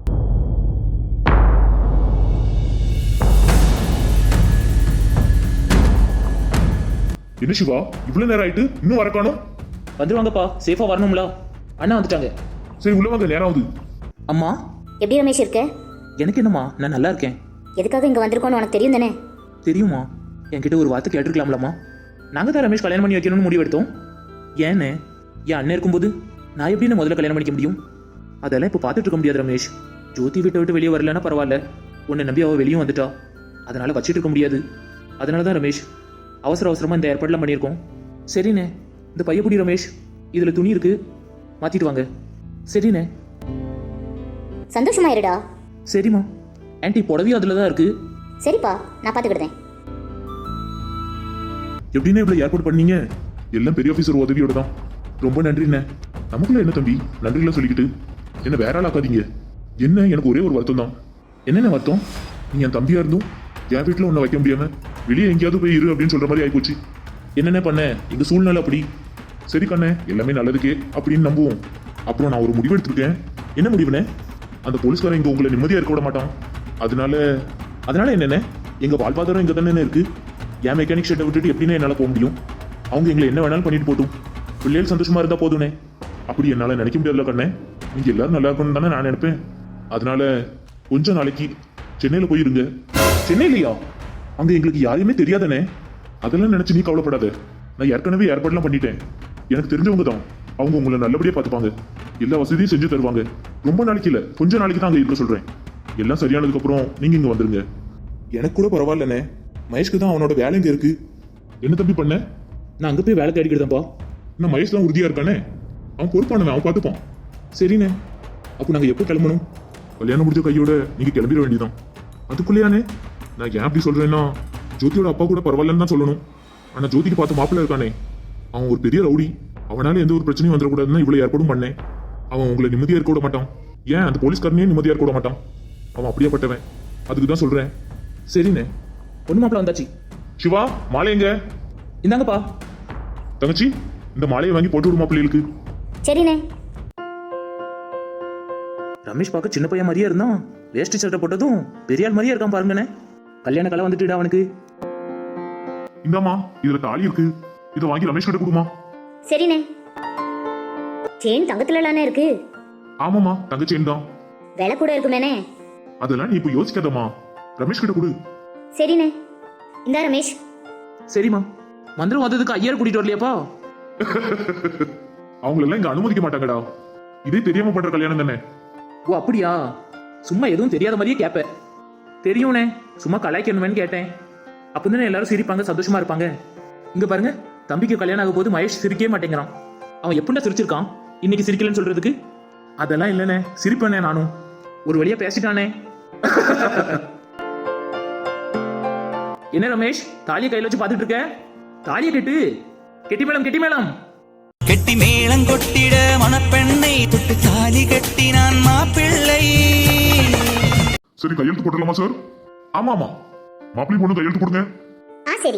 [SPEAKER 1] என்ன சிவா, இவ்வளவு நேரம் ஆயிட்டு இன்னும் வர காணோம்?
[SPEAKER 2] வந்துருவாங்கப்பா, சேஃபா வரணும்ல. அண்ணா வந்துட்டாங்க.
[SPEAKER 1] சரி உள்ள வாங்க, நேரம் ஆகுது.
[SPEAKER 2] அம்மா,
[SPEAKER 3] எப்படி ரமேஷ் இருக்க?
[SPEAKER 2] எனக்கு என்னம்மா, நான் நல்லா இருக்கேன்.
[SPEAKER 3] எதுக்காக இங்க வந்திருக்கோன்னு உனக்கு தெரியும் தானே?
[SPEAKER 2] தெரியுமா? என்கிட்ட ஒரு வார்த்தை கேட்டிருக்கலாம்லம்மா. நாங்கள் தான் ரமேஷ் கல்யாணம் பண்ணி வைக்கணும்னு முடிவெடுத்தோம். ஏன்னு, என் அண்ணன் இருக்கும்போது நான் எப்படி முதல்ல கல்யாணம் பண்ணிக்க முடியும்? அதெல்லாம் இப்போ பார்த்துட்டு இருக்க முடியாது ரமேஷ். ஜோதி வீட்டை விட்டு வெளியே வரலன்னா பரவாயில்ல, உன்னை நம்பி அவள் வெளியும் வந்துட்டா, அதனால வச்சுட்டு இருக்க முடியாது. அதனால தான் ரமேஷ் அவசர அவசரமாக இந்த ஏற்பாடுலாம் பண்ணியிருக்கோம். சரிண்ணே, இந்த பையப்புடி ரமேஷ், இதில் துணி இருக்கு, மாற்றிட்டு வாங்க. சரிண்ணே.
[SPEAKER 3] சந்தோஷமா இருடா.
[SPEAKER 2] சரிம்மா. ஆன்ட்டி புடவையும் அதில் தான் இருக்கு.
[SPEAKER 3] சரிப்பா, நான் பார்த்துக்கிடுதேன்.
[SPEAKER 1] எப்படின்னா இவ்வளவு ஏற்பாடு பண்ணீங்க? எல்லாம் பெரிய ஆபீசர் உதவியோட தான். ரொம்ப நன்றிண்ணே. நமக்குள்ள என்ன தம்பி நன்றிலாம் சொல்லிக்கிட்டு என்ன வேற ஆள் ஆக்காதீங்க. என்ன, எனக்கு ஒரே ஒரு வருத்தம் தான். என்னென்ன வருத்தம்? நீ என் தம்பியா இருந்தும் என் வீட்டில் உன்னை வைக்க முடியாம வெளியே எங்கேயாவது போய் இரு அப்படின்னு சொல்ற மாதிரி ஆயிப்போச்சு. என்னென்ன பண்ண, எங்க சூழ்நிலை அப்படி. சரி கண்ணே, எல்லாமே நல்லதுக்கே அப்படின்னு நம்புவோம். அப்புறம் நான் ஒரு முடிவு எடுத்திருக்கேன். என்ன முடிவுனே? அந்த போலீஸ்காரன் இங்க உங்களை நிம்மதியா இருக்க விட மாட்டான். அதனால என்னென்ன, எங்க வாழ்வாதாரம் இங்க தானே இருக்கு. என் மெக்கானிக் ஷெட்டை விட்டுட்டு எப்படின்னா என்னால போக முடியும்? அவங்க எங்களை என்ன வேணாலும் பண்ணிட்டு போட்டும், பிள்ளைகள் சந்தோஷமா இருந்தா போதுனே. அப்படி என்னால நினைக்க முடியாதுல கண்ணே. நீங்க எல்லாரும் நல்லா இருக்கணும்னு தானே நான் நினைப்பேன். அதனால கொஞ்ச நாளைக்கு சென்னையில போயிருங்க. சென்னையிலையா? அங்க எங்களுக்கு யாரையுமே தெரியாதானே. அதெல்லாம் நினைச்சு நீ கவலைப்படாத. நான் ஏற்கனவே ஏற்பாடுலாம் பண்ணிட்டேன். எனக்கு தெரிஞ்சவங்க தான், அவங்க உங்களை நல்லபடியா பார்த்துப்பாங்க, எல்லா வசதியும் செஞ்சு தருவாங்க. ரொம்ப நாளைக்கு இல்ல, கொஞ்ச நாளைக்கு தான் அங்க இருக்க சொல்றேன். எல்லாம் சரியானதுக்கு அப்புறம் நீங்க இங்க வந்துருங்க. எனக்கு கூட பரவாயில்லண்ணே, மகேஷ்க்கு தான் அவனோட வேலை இங்க இருக்கு. என்ன தம்பி பண்ண?
[SPEAKER 2] நான் அங்கே போய் வேலை தேடிக்கிட்டேன்ப்பா.
[SPEAKER 1] இன்னும் மகேஷ் தான் உறுதியா இருக்கானே, அவன் பொறுப்பானவன், அவன் பார்த்துப்பான்.
[SPEAKER 2] சரிண்ணே.
[SPEAKER 1] அப்போ நாங்க எப்போ கிளம்பணும்? கல்யாணம் முடிஞ்ச கையோட நீங்க கிளம்பிட வேண்டியதான். அதுக்குள்ளேயானே? நான் ஏன் அப்படி சொல்றேன்னா, ஜோதியோட அப்பா கூட பரவாயில்லன்னு தான் சொல்லணும். ஆனா ஜோதிக்கு பார்த்து மாப்பிள்ள இருக்கானே, அவன் ஒரு பெரிய ரவுடி. அவனால எந்த ஒரு பிரச்சனையும் வந்துடக்கூடாதுன்னு இவ்வளவு ஏற்பாடும் பண்ணேன். அவன் உங்களை நிம்மதியா இருக்க விட மாட்டான். ஏன் அந்த போலீஸ்காரனையும் நிம்மதியா இருக்க விட மாட்டான். அவன் அப்படியேப்பட்டவன். அதுக்கு தான் சொல்றேன்.
[SPEAKER 2] சரிண்ணே. பொண்ணு மாப்பிள்ள வந்தாச்சு.
[SPEAKER 1] சிவா, மாலை எங்க?
[SPEAKER 2] இந்தாங்கப்பா.
[SPEAKER 1] தங்கச்சி, இந்த மாலையை வாங்கி போட்டு விடுமா பிள்ளைகளுக்கு.
[SPEAKER 3] சரிண்ணே.
[SPEAKER 2] ரமேஷ் பார்க்க சின்ன பையன் மாதிரியே இருந்தான். வேஷ்டி சட்டை போட்டதும் பெரிய ஆள் மாதிரியே இருக்கான் பாருங்கண்ணே. கல்யாண கலை வந்துட்டுடா அவனுக்கு.
[SPEAKER 1] இந்தாமா, இதுல தாலி இருக்கு. இதை வாங்கி ரமேஷ் கிட்ட கொடுமா.
[SPEAKER 3] சரிண்ணே. செயின் தங்கத்துலலானே இருக்கு.
[SPEAKER 1] ஆமாமா, தங்க செயின் தான்.
[SPEAKER 3] விலை கூட இருக்குமேனே.
[SPEAKER 1] அதெல்லாம் நீ இப்ப யோசிக்காதம்மா, ரமேஷ் கிட்ட கொடு.
[SPEAKER 3] சரிண்ணே. இந்தா ரமேஷ்.
[SPEAKER 2] சரிம்மா. மந்திரம் வந்ததுக்கு ஐயர் கூட்டிட்டு வரலையாப்பா?
[SPEAKER 1] அவங்களெல்லாம் இங்க அனுமதிக்க மாட்டாங்கடா. இதே தெரியாம பண்ற கல்யாணம் தானே.
[SPEAKER 2] ஓ அப்படியா? சும்மா எதுவும் தெரியாத மாதிரியே கேட்பேன். தெரியும்ண்ணே, சும்மா கலாய்க்கணுமேன்னு கேட்டேன். அப்பதானே எல்லாரும் சிரிப்பாங்க, சந்தோஷமா இருப்பாங்க. இங்க பாருங்க, தம்பிக்கு கல்யாணம் ஆகும் போது மகேஷ் சிரிக்கவே மாட்டேங்கிறான். அவன் எப்படின்னா சிரிச்சிருக்கான், இன்னைக்கு சிரிக்கலன்னு சொல்றதுக்கு? அதெல்லாம் இல்லைண்ணே, சிரிப்பேனே நானும். ஒரு வழியா பேசிட்டானே. என்ன ரமேஷ், தாலியை கையில வச்சு பாத்துட்டு இருக்க? தாலியை கெட்டு. கெட்டி மேளம், கெட்டி மேளம்.
[SPEAKER 4] கெட்டி மேளம் கொட்டிட மணப்பெண்ணை தொட்டு தாலி கட்டினான் மாப்பிள்ளை.
[SPEAKER 1] சரி, கையெழுத்து போட்டுடலாமா சார்? ஆமா ஆமா, மாப்பிள்ளை பொண்ணு கையெழுத்து போடுங்க.
[SPEAKER 3] சரி.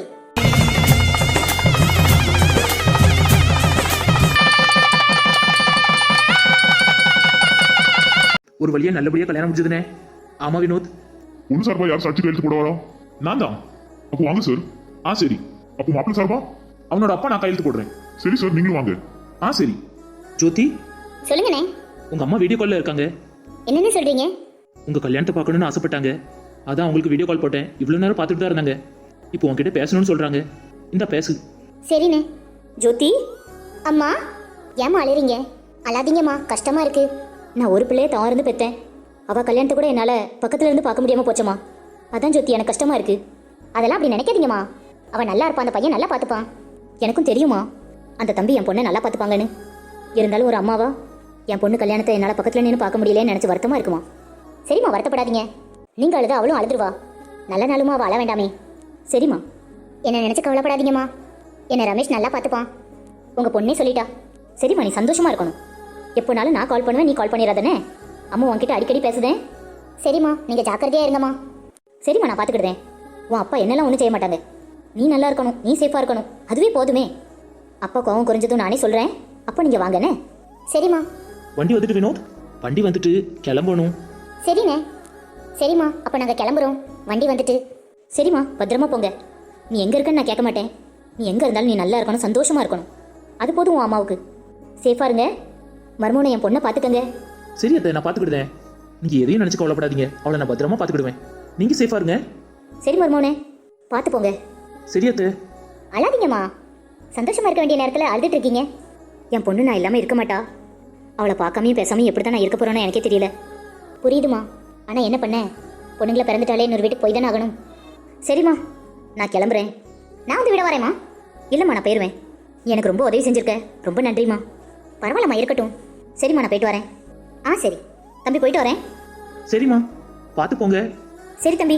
[SPEAKER 2] ஒரு வழியா நல்லபடியா கல்யாணம் முடிஞ்சதுனே. ஆமா வினோத்.
[SPEAKER 1] பொண்ணு சார்பா யார் சாட்சி கையெழுத்து போட வரா? நான் தான். அப்போ வாங்க சார். சரி. அப்போ மாப்பிள்ளை சார்பா?
[SPEAKER 2] அவனோட அப்பா நான் கையெழுத்து போடுறேன்.
[SPEAKER 1] சரி சார், நீங்களும் வாங்க.
[SPEAKER 2] சரி. ஜோதி,
[SPEAKER 3] சொல்லுங்கண்ணே.
[SPEAKER 2] உங்க அம்மா வீடியோ கால்ல இருக்காங்க.
[SPEAKER 3] என்னன்னு சொல்றீங்க?
[SPEAKER 2] உங்க கல்யாணத்தை பார்க்கணும்னு ஆசைப்பட்டாங்க. அதான் உங்களுக்கு வீடியோ கால் போட்டேன். இவ்வளவு நேரம் பார்த்துட்டு தான் இருந்தாங்க. இப்போ உங்ககிட்ட பேசணும்னு சொல்றாங்க. இந்த பேசு.
[SPEAKER 3] சரிண்ணே. ஜோதி, அம்மா ஏம்மா அழுறீங்க? அழாதீங்கம்மா, கஷ்டமா இருக்கு. நான் ஒரு பிள்ளைய தான் இருந்து பெற்றேன். அவள் கல்யாணத்தை கூட என்னால் பக்கத்துல இருந்து பார்க்க முடியாமல் போச்சம்மா. அதான் ஜோதி, எனக்கு கஷ்டமா இருக்கு. அதெல்லாம் அப்படி நினைக்காதீங்கம்மா. அவன் நல்லா இருப்பான், அந்த பையன் நல்லா பார்த்துப்பான். எனக்கும் தெரியுமா அந்த தம்பி என் பொண்ணை நல்லா பார்த்துப்பாங்கன்னு. இருந்தாலும் ஒரு அம்மாவா என் பொண்ணு கல்யாணத்தை என்னால் பக்கத்தில் நின்று பார்க்க முடியலன்னு நினச்சி வருத்தமாக இருக்குமா? சரிம்மா, வருத்தப்படாதீங்க. நீங்கள் அழுத அவளும் அழுதுருவா. நல்ல நாளுமா அவள் அழ வேண்டாமே. சரிம்மா, என்னை நினச்சி கவலைப்படாதீங்கம்மா. என்னை ரமேஷ் நல்லா பார்த்துப்பான். உங்கள் பொண்ணே சொல்லிட்டா. சரிம்மா, நீ சந்தோஷமா இருக்கணும். எப்போனாலும் நான் கால் பண்ணுவேன், நீ கால் பண்ணிடாதானே. அம்மா உன்கிட்ட அடிக்கடி பேசுதேன். சரிம்மா, நீங்கள் ஜாக்கிரதையாக இருங்கம்மா. சரிம்மா, நான் பார்த்துக்கிடுதேன். உன் அப்பா என்னெல்லாம் ஒன்றும் செய்ய மாட்டாங்க. நீ நல்லா இருக்கணும், நீ சேஃபாக இருக்கணும், அதுவே போதுமே. அப்பா கோவம் குறைஞ்சதும் நானே சொல்கிறேன். அப்போ நீங்கள் வாங்கண்ணே. சரிம்மா.
[SPEAKER 2] வண்டி வந்துட்டு வினோத், வண்டி வந்துட்டு கிளம்பணும்.
[SPEAKER 3] சரிண்ணே. சரிம்மா, அப்போ நாங்கள் கிளம்புறோம். வண்டி வந்துட்டு. சரிம்மா, பத்திரமா போங்க. நீ எங்கே இருக்கன்னு நான் கேட்க மாட்டேன். நீ எங்கே இருந்தாலும் நீ நல்லா இருக்கணும், சந்தோஷமாக இருக்கணும். அது போதும் உன் அம்மாவுக்கு. சேஃபாக இருங்க. மருமகனை என் பொண்ணை பார்த்துக்கங்க.
[SPEAKER 2] சரி அத்தை, நான் பார்த்துக்கிடுதேன். நீங்கள் எதையும் நினச்சி கவலைப்படாதீங்க. அவளை நான் பத்திரமா பார்த்துக்கிடுவேன். நீங்கள் சேஃபாக இருங்க.
[SPEAKER 3] சரி மருமகனே, பார்த்து போங்க.
[SPEAKER 2] சரி அத்தை.
[SPEAKER 3] அழாதீங்கம்மா. சந்தோஷமா இருக்க வேண்டிய நேரத்தில் அழுதுட்டு இருக்கீங்க. என் பொண்ணு நான் இல்லாமல் இருக்க மாட்டா. அவளை பார்க்காமையும் பேசாமையும் எப்படி தான் நான் இருக்க போகிறேன்னு எனக்கே தெரியல. புரியுதுமா, ஆனால் என்ன பண்ண, பொண்ணுங்களை பிறந்துட்டாலே இன்னொரு வீட்டுக்கு போய் தானே ஆகணும். சரிம்மா, நான் கிளம்புறேன். நான் வந்து விட வரேம்மா. இல்லைம்மா, நான் போயிடுவேன். நீ எனக்கு ரொம்ப உதவி செஞ்சுருக்க, ரொம்ப நன்றிம்மா. பரவாயில்லம்மா, இருக்கட்டும். சரிம்மா, நான் போயிட்டு வரேன். சரி தம்பி, போயிட்டு வரேன்.
[SPEAKER 2] சரிம்மா, பார்த்து போங்க.
[SPEAKER 3] சரி தம்பி.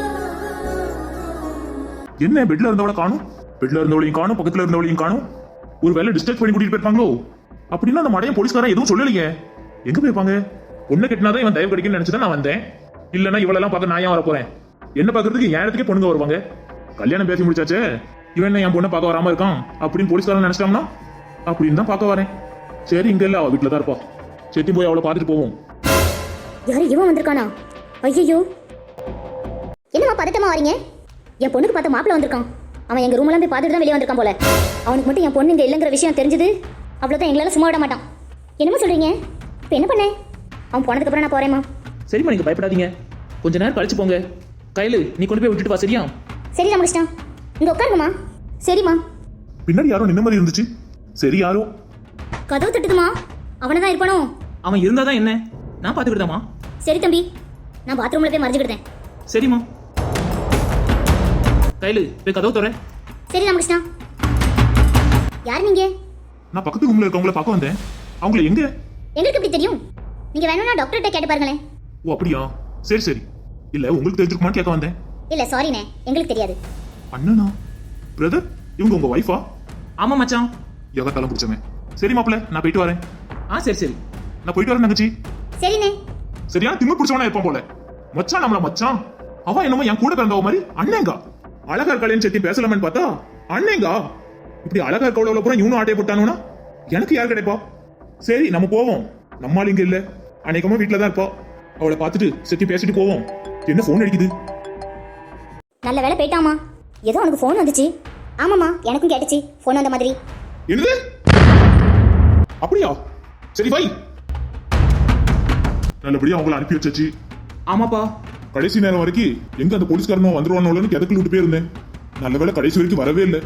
[SPEAKER 1] என்ன பெட்ல இருந்தவளை காணும்? பெட்ல இருந்தவளையும் காணும், பக்கத்துல இருந்தவளையும் காணும். ஒரு வேலை டிஸ்டர்ப் பண்ணி கூட்டிட்டு போயிருப்பாங்களோ? அப்படின்னா அந்த மடையன் போலீஸ்காரன் எதுவும் சொல்லலையே. எங்க போயிருப்பாங்க? பொண்ணை கட்டினாதான் இவன் தயவு கிடைக்குன்னு நினைச்சுதான் நான் வந்தேன். இல்லைன்னா இவளெல்லாம் பார்க்க நான் ஏன் வர போறேன்? என்ன பார்க்கறதுக்கு என் இடத்துக்கே பொண்ணுங்க வருவாங்க. கல்யாணம் பேசி முடிச்சாச்சே, இவன் என்ன என் பொண்ணை பார்க்க வராம இருக்கான் அப்படின்னு போலீஸ்காரன் நினைச்சிட்டாங்கன்னா அப்படின்னு தான் பார்க்க வரேன். சரி, இங்க இல்ல, அவ வீட்டுல தான் இருப்பா. செட்டி போய் அவளை பார்த்துட்டு போவோம்.
[SPEAKER 3] யாரு இவன் வந்திருக்கானா? ஐயோ, என்னம்மா பதட்டமா வரீங்க? என் பொண்ணுக்கு பார்த்த மாப்பிள்ள வந்திருக்கான். அவன் எங்க ரூம்லாம் போய் பார்த்துட்டு தான் வெளியே வந்திருக்கான் போல. அவனுக்கு மட்டும் என் பொண்ணு இங்க இல்லைங்கிற விஷயம் தெரிஞ்சது அவ்வளோதான், எங்களால சும்மா விட மாட்டான். என்னம்மா சொல்றீங்க? இப்போ என்ன பண்ண? அவன் போனதுக்கு அப்புறம் நான் போறேம்மா.
[SPEAKER 2] சரிம்மா, நீங்கள் பயப்படாதீங்க. கொஞ்ச நேரம் கழிச்சு போங்க. கையில் நீ கொண்டு போய் விட்டுட்டு வா. சரியா?
[SPEAKER 3] சரி ராமகிருஷ்ணா, இங்க உட்காருங்கம்மா. சரிம்மா.
[SPEAKER 1] பின்னாடி யாரோ நின்ன மாதிரி இருந்துச்சு. சரி, யாரோ
[SPEAKER 3] கதவு தட்டுதுமா. அவனை தான் இருப்பானோ?
[SPEAKER 2] அவன் இருந்தாதான் என்ன, நான் பார்த்துக்கிட்டதாம்மா.
[SPEAKER 3] சரி தம்பி. நான் பாத்ரூம்ல போய் மறைஞ்சுக்கிட்டேன்.
[SPEAKER 2] சரிம்மா. கையில் போய் கதவு தர.
[SPEAKER 3] சரி ராமகிருஷ்ணா. யார் நீங்க?
[SPEAKER 1] நான் பக்கத்து ரூம்ல இருக்கவங்கள பார்க்க வந்தேன். அவங்கள எங்க?
[SPEAKER 3] எங்களுக்கு எப்படி தெரியும்? நீங்க வேணும்னா டாக்டர்கிட்ட கேட்டு பாருங்களேன்.
[SPEAKER 1] ஓ அப்படியா, சரி சரி. இல்ல உங்களுக்கு தெரிஞ்சிருக்குமான்னு கேட்க வந்தேன்.
[SPEAKER 3] இல்ல சாரிண்ணே, எங்களுக்கு தெரியாது.
[SPEAKER 1] அண்ணனா? பிரதர், இவங்க உங்க வைஃபா?
[SPEAKER 2] ஆமாம் மச்சான்.
[SPEAKER 1] யோகத்தாலும் பிடிச்சவன். சரி மாப்பிள்ள, நான் போயிட்டு வரேன்.
[SPEAKER 2] சரி சரி.
[SPEAKER 1] நான் போயிட்டு வரேன் தங்கச்சி.
[SPEAKER 3] சரிண்ணே.
[SPEAKER 1] சரியான திமிரு பிடிச்சவனா இருப்பான் போல. மச்சான் நம்மள மச்சான். அவ என்னமோ என் கூட பிறந்தவ மாதிரி அண்ணேங்கா. அழகா இருக்காளேன்னு செத்தி பேசலாமேன்னு பார்த்தா அண்ணேங்கா. இப்படி அழகா இருக்கவளவுல பூரா இவனும் ஆட்டையை போட்டானுனா எனக்கு யார் கிடைப்பா? சரி நம்ம போவோம். நம்மால் இங்க இல்ல, அநேகமா வீட்டுல தான் இருப்பா. அவளை பார்த்துட்டு செத்தி பேசிட்டு போவோம். என்ன போன் அடிக்குது?
[SPEAKER 3] நல்ல வேலை போயிட்டாமா. ஏதோ உனக்கு ஃபோன் வந்துச்சு. ஆமாம்மா, எனக்கும் கேட்டுச்சு ஃபோன் வந்த மாதிரி.
[SPEAKER 1] என்னது? அப்படியா? சரி வை. நல்லபடியா அவங்கள அனுப்பி வச்சாச்சு.
[SPEAKER 2] ஆமாப்பா.
[SPEAKER 1] கடைசி நேரம் வரைக்கும் எங்க அந்த போலீஸ்காரனும் வந்துருவானோன்னு கிதக்குள்ள விட்டு போயிருந்தேன். நல்ல வேளை கடைசி வரைக்கும் வரவே இல்லை.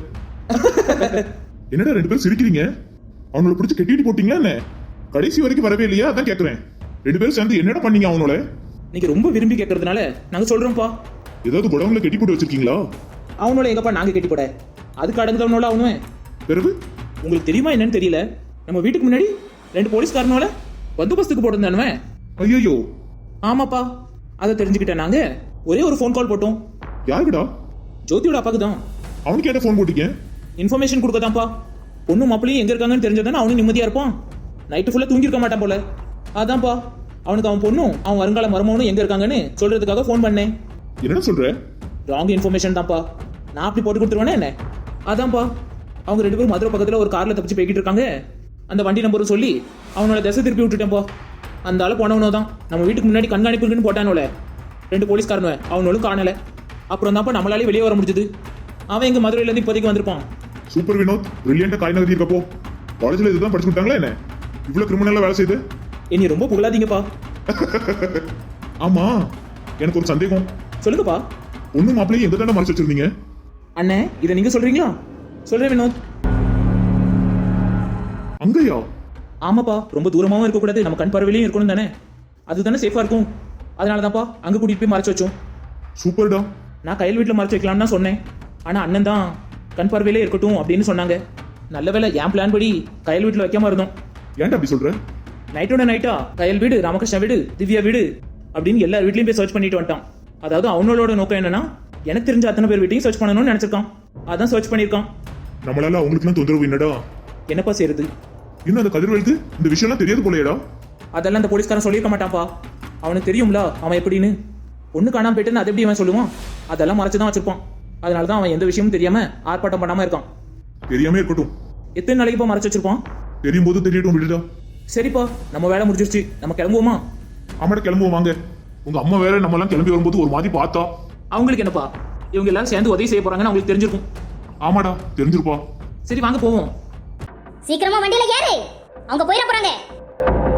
[SPEAKER 1] என்னடா ரெண்டு பேரும் சிரிக்கிறீங்க? அவனோட பிடிச்சி கெட்டிட்டு போட்டீங்களா என்ன? கடைசி வரைக்கும் வரவே இல்லையா? அதான் கேக்குறேன். ரெண்டு பேரும் சேர்ந்து என்னடா பண்ணீங்க அவனோட?
[SPEAKER 2] நீங்க ரொம்ப விரும்பி கேட்கறதுனால நாங்க சொல்றோம்ப்பா.
[SPEAKER 1] ஏதாவது குடவுல கெட்டி போட்டு வச்சிருக்கீங்களா?
[SPEAKER 2] அவனோட எங்கப்பா நாங்க கெட்டி போட? அதுக்கு அடங்குதவனோட அவனுவே.
[SPEAKER 1] பிறகு
[SPEAKER 2] உங்களுக்கு தெரியுமா என்னன்னு தெரியல, நம்ம வீட்டுக்கு முன்னாடி 2 போலீஸ்காரனோட பந்தோபஸ்துக்கு போட்டிருந்தானுவன்.
[SPEAKER 1] ஐயோ.
[SPEAKER 2] ஆமாப்பா, அதை தெரிஞ்சுக்கிட்டேன். நாங்க ஒரே ஒரு ஃபோன் கால் போட்டோம்.
[SPEAKER 1] யாருக்குடா?
[SPEAKER 2] ஜோதியோட அப்பாக்கு தான்.
[SPEAKER 1] அவனுக்கு ஏட்ட ஃபோன் போட்டீங்க?
[SPEAKER 2] இன்ஃபர்மேஷன் கொடுக்கதான்ப்பா. பொண்ணு மாப்பிளையும் எங்க இருக்காங்கன்னு தெரிஞ்சதானே அவனும் நிம்மதியா இருப்பான். நைட்டு ஃபுல்லா தூங்கிருக்க மாட்டான் போல. அதான்ப்பா அவனுக்கு அவன் பொண்ணும் அவன் வருங்கால மருமகனும் எங்க இருக்காங்கன்னு சொல்றதுக்காக ஃபோன் பண்ணேன்.
[SPEAKER 1] என்ன சொல்ற?
[SPEAKER 2] ராங் இன்ஃபர்மேஷன் தான்ப்பா. நான் அப்படி போட்டு கொடுத்துருவேனே என்ன? அதான்ப்பா அவங்க 2 பேரும் மதுரை பக்கத்துல ஒரு கார்ல தப்பிச்சு போய்கிட்டு இருக்காங்க. அந்த வண்டி நம்பரும் சொல்லி அவனோட திசை திருப்பி விட்டுட்டேன்ப்பா. அந்த ஆளு போனவனோ தான் நம்ம வீட்டுக்கு முன்னாடி கண்காணிப்புக்குன்னு போட்டானோல 2 போலீஸ்காரனுவ, அவனோளும் காணல. அப்புறம் தான்ப்பா நம்மளாலே வெளியே வர முடிஞ்சது. அவன் எங்க மதுரையில இருந்து இப்போதைக்கு வந்திருப்பான்.
[SPEAKER 1] சூப்பர் வினோத், பிரில்லியண்டா காய் நகர்த்தி இருக்கப்போ. காலேஜ்ல இதுதான் படிச்சு கொடுத்தாங்களா என்ன? இவ்வளவு கிரிமினலா வேலை செய்து?
[SPEAKER 2] இனி ரொம்ப புகழாதீங்கப்பா.
[SPEAKER 1] ஆமா, எனக்கு ஒரு சந்தேகம்.
[SPEAKER 2] சொல்லுங்கப்பா.
[SPEAKER 1] ஒண்ணு மாப்பிள்ளையும் எங்க தானே மறைச்சு வச்சிருந்தீங்க?
[SPEAKER 2] அண்ணே, இதை நீங்க சொல்றீங்களா? சொல்றேன் வினோத்.
[SPEAKER 1] அங்கயா?
[SPEAKER 2] ஆமாப்பா, ரொம்ப தூரமாவும் இருக்கக்கூடாது, நம்ம கண் பார்வையிலையும் இருக்கணும் தானே. அதுதானே சேஃபா இருக்கும். அதனால தான்ப்பா அங்க கூட்டிட்டு போய் மறைச்சு வச்சோம்.
[SPEAKER 1] சூப்பர்டா.
[SPEAKER 2] நான் கையில் வீட்டில் மறைச்சு வைக்கலாம்னு தான் சொன்னேன். ஆனா அண்ணன் தான் கண் பார்வையிலே இருக்கட்டும் அப்படின்னு சொன்னாங்க. நல்ல வேலை என் பிளான் படி கையில் வீட்டில் வைக்காம இருந்தோம்.
[SPEAKER 1] ஏன்டா அப்படி சொல்ற?
[SPEAKER 2] நைட்டோட நைட்டா கையல் வீடு, ராமகிருஷ்ணா வீடு, திவ்யா வீடு அப்படின்னு எல்லா வீட்லயும் போய் சர்ச் பண்ணிட்டு வந்துட்டான். அதாவது அவனோட நோக்கம் என்னன்னா, எனக்கு தெரிஞ்ச அத்தனை பேர் வீட்டையும் சர்ச் பண்ணணும்னு நினைச்சிருக்கான். அதான் சர்ச் பண்ணியிருக்கான்.
[SPEAKER 1] நம்மளால அவங்களுக்குலாம் தொந்தரவு என்னடா?
[SPEAKER 2] என்னப்பா செய்யறது?
[SPEAKER 1] இன்னும் அந்த கதிர்வேலுக்கு இந்த விஷயம்லாம் தெரியாது போலையடா?
[SPEAKER 2] அதெல்லாம் அந்த போலீஸ்காரன் சொல்லியிருக்க மாட்டான்ப்பா. அவனுக்கு தெரியும்ல அவன் எப்படின்னு. ஒண்ணு காணாம போயிட்டுன்னு அதை எப்படி அவன் சொல்லுவான்? அதெல்லாம் மறைச்சுதான் வச்சிருப்பான். அதனாலதான் அவன் எந்த விஷயமும் தெரியாம ஆர்ப்பாட்டம் பண்ணாம இருக்கான்.
[SPEAKER 1] தெரியாம இருக்கட்டும்.
[SPEAKER 2] எத்தனை நாளைக்கு இப்போ மறைச்சு வச்சிருப்பான்?
[SPEAKER 1] தெரியும் போது தெரியட்டும், விடுடா.
[SPEAKER 2] சரிப்பா, நம்ம வேலை முடிஞ்சிருச்சு, நம்ம கிளம்புவோமா?
[SPEAKER 1] ஆமாடா, கிளம்புவோம் வாங்க. உங்க அம்மா வேற நம்ம எல்லாம் கிளம்பி வரும்போது ஒரு மாதிரி பார்த்தா.
[SPEAKER 2] அவங்களுக்கு என்னப்பா, இவங்க எல்லாரும் சேர்ந்து உதவி செய்ய போறாங்கன்னு அவங்களுக்கு தெரிஞ்சிருக்கும்.
[SPEAKER 1] ஆமாடா, தெரிஞ்சிருப்பா.
[SPEAKER 2] சரி வாங்க போவோம்.
[SPEAKER 3] சீக்கிரமா வண்டியில ஏறு, அவங்க போயிட போறாங்க.